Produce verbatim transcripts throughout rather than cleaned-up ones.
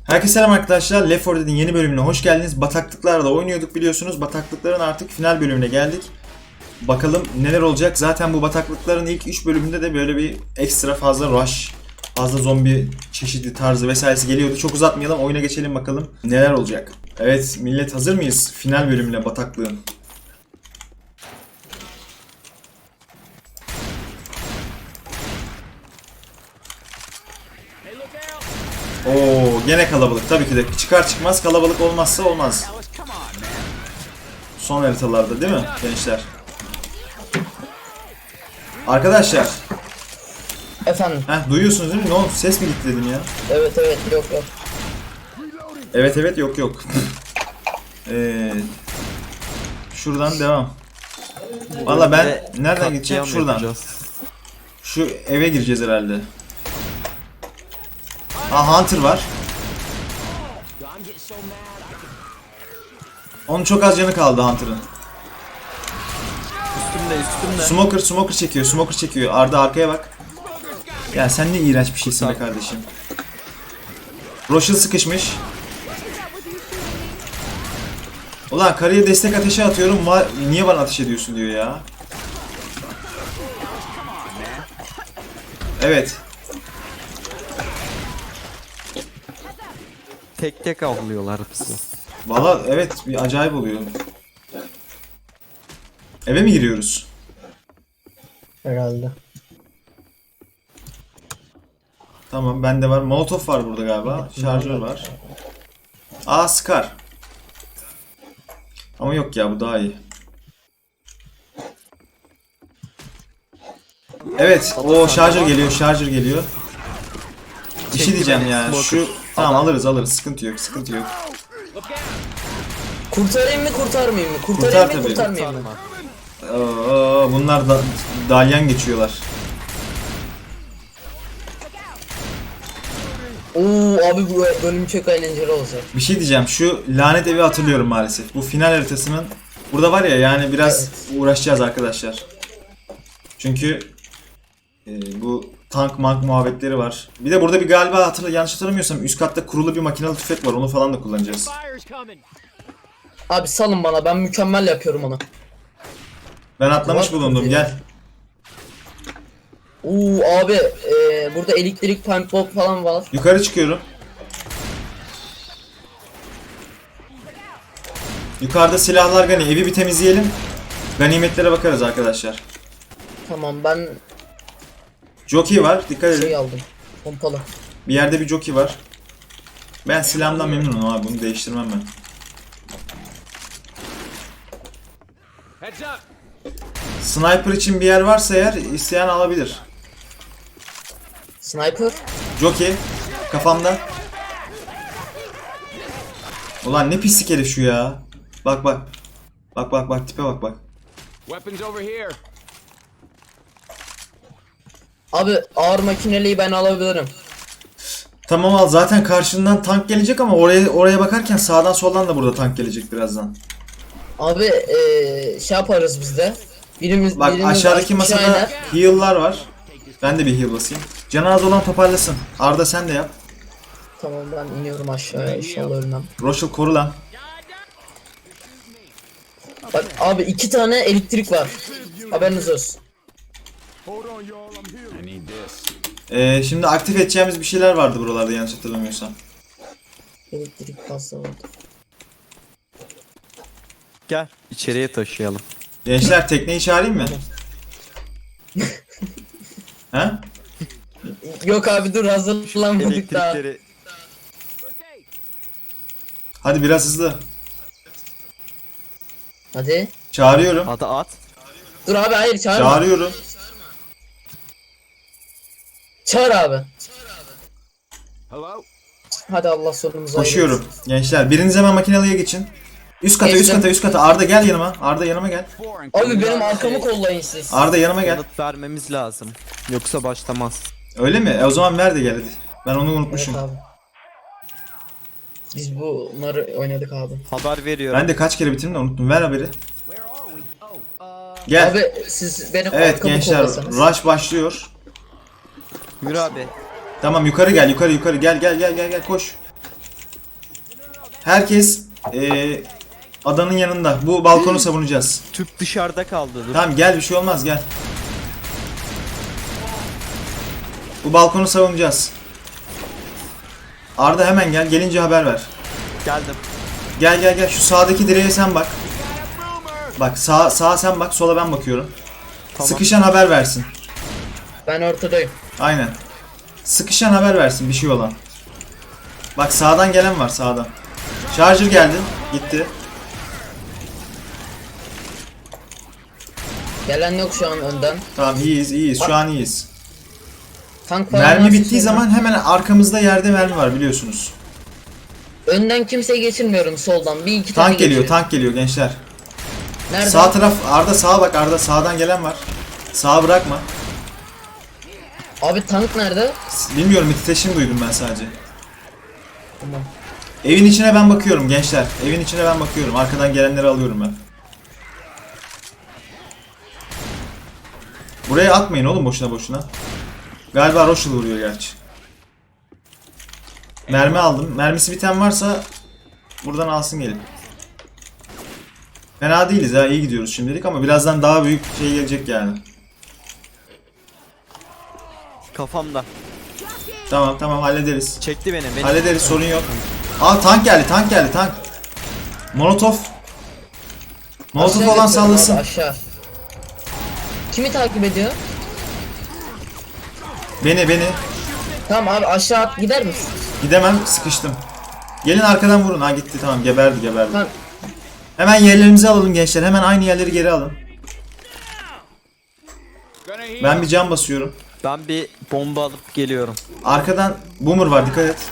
Herkese selam arkadaşlar. Left four Dead'in yeni bölümüne hoş geldiniz. Bataklıklarla oynuyorduk biliyorsunuz. Bataklıkların artık final bölümüne geldik. Bakalım neler olacak. Zaten bu bataklıkların ilk üç bölümünde de böyle bir ekstra fazla rush, fazla zombi çeşidi tarzı vesairesi geliyordu. Çok uzatmayalım, oyuna geçelim bakalım neler olacak. Evet millet, hazır mıyız final bölümüne bataklığın? Oo, gene kalabalık tabii ki de. Çıkar çıkmaz kalabalık olmazsa olmaz. Son haritalarda değil mi gençler? Arkadaşlar. Efendim. Heh, duyuyorsunuz değil mi? Ne oldu? Ses mi gitti dedim ya? Evet evet yok yok. Evet evet yok yok. ee, şuradan devam. Valla ben nereden gideceğim? Şuradan. Yapacağız. Şu eve gireceğiz herhalde. Aa, Hunter var. Onun çok az canı kaldı Hunter'ın. Üstümde üstümde. Smoker smoker çekiyor. Smoker çekiyor. Arda arkaya bak. Ya sen ne iğrenç bir şeysin be kardeşim. Rochelle sıkışmış. Ulan karıya destek ateşi atıyorum. Niye bana ateş ediyorsun diyor ya. Evet. Tek tek avlıyorlar bizi. Valla evet, bir acayip oluyor. Eve mi giriyoruz? Herhalde. Tamam, bende var. Molotov var burada galiba. Şarjör var. Aa, Scar. Ama yok ya, bu daha iyi. Evet, o şarjör geliyor, şarjör geliyor. Bir şey diyeceğim ya. Şu tamam, alırız alırız. Sıkıntı yok, sıkıntı yok. Kurtarayım mı kurtarmayayım mı? Kurtarayım Kurtar mı tabii. kurtarmayayım mı? Aa, bunlar da dalyan geçiyorlar. Oo abi bu bölüm çok eğlenceli olacak. Bir şey diyeceğim. Şu lanet evi hatırlıyorum maalesef. Bu final haritasının burada var ya, yani biraz Evet. uğraşacağız arkadaşlar. Çünkü e, bu tank mank muhabbetleri var. Bir de burada bir galiba hatırla yanlış hatırlamıyorsam üst katta kurulu bir makinalı tüfek var. Onu falan da kullanacağız. Abi salın bana, ben mükemmel yapıyorum onu. Ben atlamış bulundum. Gel. Oo abi e, burada elektrik pump bomb falan var. Yukarı çıkıyorum. Yukarıda silahlar gani. Evi bir temizleyelim. Ganimetlere bakarız arkadaşlar. Tamam, ben Jockey var. Dikkat edin. şey aldım. Pompalı. Bir yerde bir jockey var. Ben silahımdan memnunum abi. Bunu değiştirmem ben. Sniper için bir yer varsa eğer, isteyen alabilir. Sniper. Jockey kafamda. Ulan ne pislik herif şu ya. Bak bak. Bak bak bak, tipe bak bak. Abi ağır makineliği ben alabilirim. Tamam al, zaten karşından tank gelecek ama oraya oraya bakarken sağdan soldan da burada tank gelecek birazdan. Abi e, şey yaparız biz de. Birimiz, Bak birimiz aşağıdaki masada aynen. heal'lar var. Ben de bir heal basayım. Canı az olan toparlasın. Arda sen de yap. Tamam, ben iniyorum aşağıya, inşallah ölmem. Rochelle koru lan. Bak abi iki tane elektrik var. Haberiniz olsun. Ee, şimdi aktif edeceğimiz bir şeyler vardı buralarda yanlış hatırlamıyorsam. Elektrik pasta vardı. Gel içeriye taşıyalım. Gençler, tekneyi çağırayım mı? Ha? Yok abi dur, hazırlanmadık daha. Elektrikleri Hadi biraz hızlı. Hadi. Çağırıyorum. hadi at. Dur abi, hayır çağırma. Çağırıyorum. Çağır abi. Hadi Allah sonumuzu Koşuyorum. hayırlısı. Gençler, biriniz hemen makinalıya geçin. Üst kata, üst Geçtim. kata, üst kata. Arda gel yanıma. Arda yanıma gel. Abi benim arkamı kollayın siz. Arda yanıma gel. Yanıt vermemiz lazım. Yoksa başlamaz. Öyle mi? E, o zaman ver de gel hadi. Ben onu Evet unutmuşum. abi. Biz bunları oynadık abi. Haber veriyorum. Ben de kaç kere bitirdim de unuttum. Ver haberi. Gel. Abi siz benim Evet arkamı gençler, kollasanız. rush başlıyor. Yürü abi. Tamam, yukarı gel, yukarı yukarı gel gel gel gel gel koş. Herkes eee, adanın yanında. Bu balkonu savunacağız. Tüp dışarıda kaldı. Dur. Tamam gel, bir şey olmaz, gel. Bu balkonu savunacağız. Arda hemen gel. Gelince haber ver. Geldim. Gel gel gel. Şu sağdaki direğe sen bak. Bak sağ sağa sen bak. Sola ben bakıyorum. Tamam. Sıkışan haber versin. Ben ortadayım. Aynen. Sıkışan haber versin bir şey olan. Bak sağdan gelen var, sağdan. Charger geldi. Gitti. Gelen yok şu an önden. Tamam iyiyiz iyiyiz. Şu an iyiyiz. Tank falan Mermi varsa bittiği söyle. zaman hemen arkamızda yerde mermi var biliyorsunuz. Önden kimseyi geçirmiyorum soldan. Bir iki tane Tank geliyor, geçiyor. tank geliyor gençler. Nerede? Sağ taraf Arda, sağa bak Arda, sağdan gelen var. Sağa bırakma. Abi tank nerede? Bilmiyorum, titreşim duydum ben sadece. Tamam. Evin içine ben bakıyorum gençler. Evin içine ben bakıyorum. Arkadan gelenleri alıyorum ben. Buraya atmayın oğlum boşuna boşuna. Galiba Rochelle vuruyor gerçi. Mermi aldım. Mermisi biten varsa buradan alsın gelin. Fena değiliz ha, iyi gidiyoruz şimdilik ama birazdan daha büyük şey gelecek yani. Kafamda. Tamam tamam hallederiz. Çekti beni. beni. Hallederiz, sorun yok. Aa tank geldi, tank geldi, tank. Molotov. Molotov Aşağı olan götürüyorum sallasın. abi, aşağı. Kimi takip ediyor? Beni beni. Tamam abi aşağı at gider misin? Gidemem, sıkıştım. Gelin arkadan vurun. Ha gitti, tamam, geberdi geberdi. Tamam. Hemen yerlerimizi alalım gençler. Hemen aynı yerleri geri alın. Ben bir cam basıyorum. Ben bir bomba alıp geliyorum. Arkadan boomer var, dikkat et.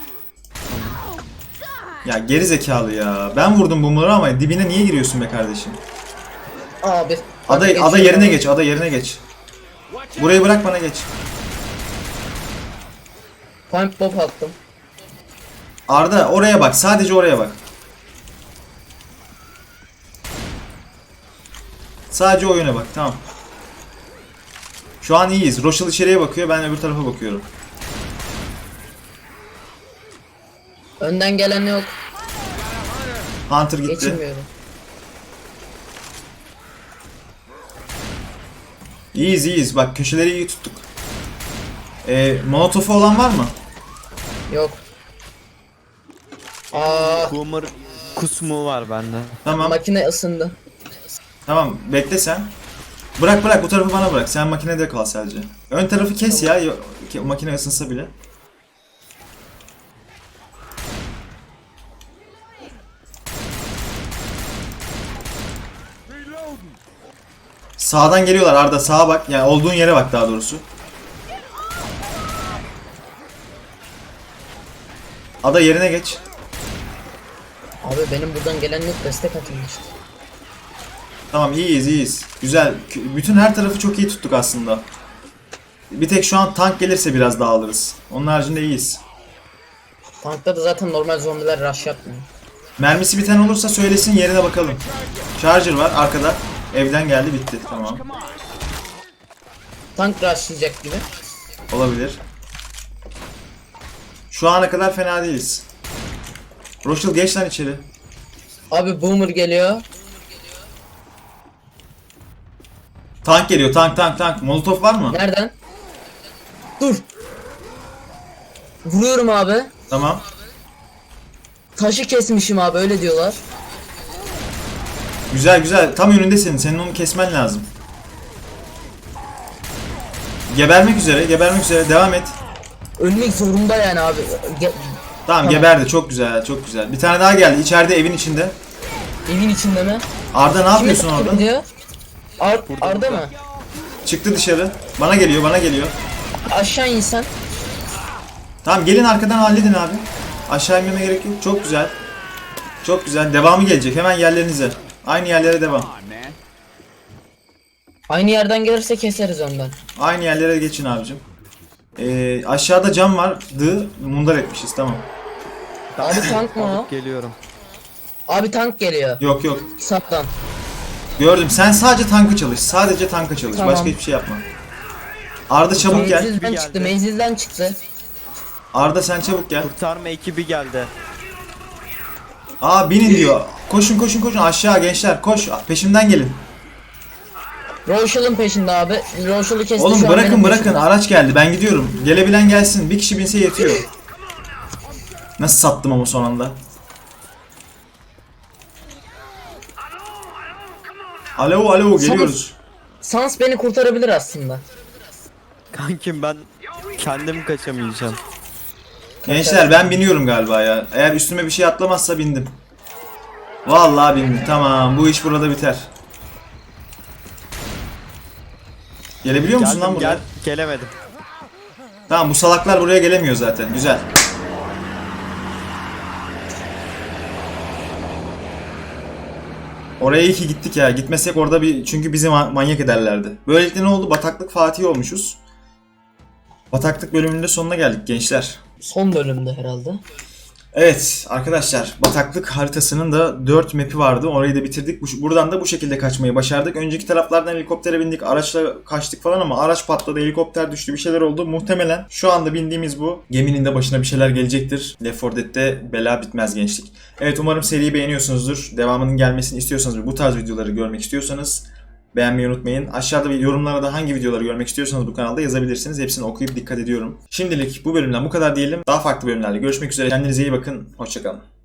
Ya geri zekalı ya. Ben vurdum boomer'ı ama dibine niye giriyorsun be kardeşim? Abi. Ada, Geçiyor ada yerine abi. geç, ada yerine geç. Burayı bırak bana, geç. Pump bomb attım. Arda oraya bak, sadece oraya bak. Sadece o yöne bak, tamam. Şu an iyiyiz. Rochelle içeriye bakıyor, ben öbür tarafa bakıyorum. Önden gelen yok. Hunter gitti. Geçirmiyorum. İyiyiz iyiyiz, bak köşeleri iyi tuttuk. Ee, Molotov'u olan var mı? Yok. Aa, Boomer kusmu var bende. Tamam. makine ısındı. Tamam, bekle sen. Bırak bırak, bu tarafı bana bırak. Sen makinede kal sadece. Ön tarafı kes ya, yo- ke- makine ısınsa bile. Sağdan geliyorlar Arda, sağa bak. Yani olduğun yere bak daha doğrusu. Ada yerine geç. Abi benim buradan gelen yok, destek atılmıştı. Tamam, iyiyiz iyiyiz. Güzel. K- Bütün her tarafı çok iyi tuttuk aslında. Bir tek şu an tank gelirse biraz daha alırız. Onun haricinde iyiyiz. Tankta da zaten normal zombiler rush yapmıyor. Mermisi biten olursa söylesin, yerine bakalım. Charger var arkada. Evden geldi, bitti. Tamam. Tank rushlayacak gibi. Olabilir. Şu ana kadar fena değiliz. Rochelle geç lan içeri. Abi boomer geliyor. Tank geliyor, tank tank tank. Molotov var mı? Nereden? Dur. Vuruyorum abi. Tamam. Taşı kesmişim abi, öyle diyorlar. Güzel güzel. Tam önündesin. Senin onu kesmen lazım. Gebermek üzere, gebermek üzere. Devam et. Ölmek zorunda yani abi. Ge- Tamam, Tamam. geberdi. Çok güzel, çok güzel. Bir tane daha geldi. İçeride, evin içinde. Evin içinde mi? Arda ne Kimi yapıyorsun takip orada? ediyor? Ar Arda mı? Çıktı dışarı. Bana geliyor, bana geliyor. Aşağı insan. Tamam, gelin arkadan halledin abi. Aşağı inmeme gerek yok. Çok güzel. Çok güzel. Devamı gelecek. Hemen yerlerinize. Aynı yerlere devam. Aynı yerden gelirse keseriz ondan. Aynı yerlere geçin abicim. Ee, aşağıda cam vardı. Mundar etmişiz, tamam. Abi tank mı o? Alıp geliyorum. Abi tank geliyor. Yok yok. Saptan. Gördüm. Sen sadece tankı çalış. Sadece tanka çalış. Tamam. Başka hiçbir şey yapma. Arda çabuk gel. Menzilden Bir çıktı, geldi. menzilden çıktı. Arda sen çabuk gel. Kurtarma ekibi geldi. Aa binin diyor. Koşun koşun koşun aşağı gençler koş peşimden gelin. Roşal'ın peşinde abi. Roşal'ı kesti Oğlum şu an bırakın benim bırakın peşimde. araç geldi ben gidiyorum. Gelebilen gelsin bir kişi binse yetiyor. Nasıl sattım ama son anda. Alo alo geliyoruz. Sans beni kurtarabilir aslında. Kankim ben kendim kaçamayacağım. Gençler ben biniyorum galiba ya. Eğer üstüme bir şey atlamazsa bindim. Vallahi bindim. Tamam bu iş burada biter. Gelebiliyor musun lan Geldim buraya? gel gelemedim. Tamam bu salaklar buraya gelemiyor zaten. Güzel. Oraya iyi ki gittik ya. Gitmesek orada bir çünkü bizi ma- manyak ederlerdi. Böylelikle ne oldu? Bataklık Fatih olmuşuz. Bataklık bölümünün de sonuna geldik gençler. Son bölümde herhalde. Evet arkadaşlar bataklık haritasının da dört map'i vardı. Orayı da bitirdik. Bu- Buradan da bu şekilde kaçmayı başardık. Önceki taraflardan helikoptere bindik, araçla kaçtık falan ama araç patladı, helikopter düştü, bir şeyler oldu. Muhtemelen şu anda bindiğimiz bu geminin de başına bir şeyler gelecektir. Left four Dead'de bela bitmez gençlik. Evet umarım seriyi beğeniyorsunuzdur. Devamının gelmesini istiyorsanız ve bu tarz videoları görmek istiyorsanız beğenmeyi unutmayın. Aşağıda bir yorumlara da hangi videoları görmek istiyorsanız bu kanalda yazabilirsiniz. Hepsini okuyup dikkat ediyorum. Şimdilik bu bölümden bu kadar diyelim. Daha farklı bölümlerle görüşmek üzere. Kendinize iyi bakın. Hoşçakalın.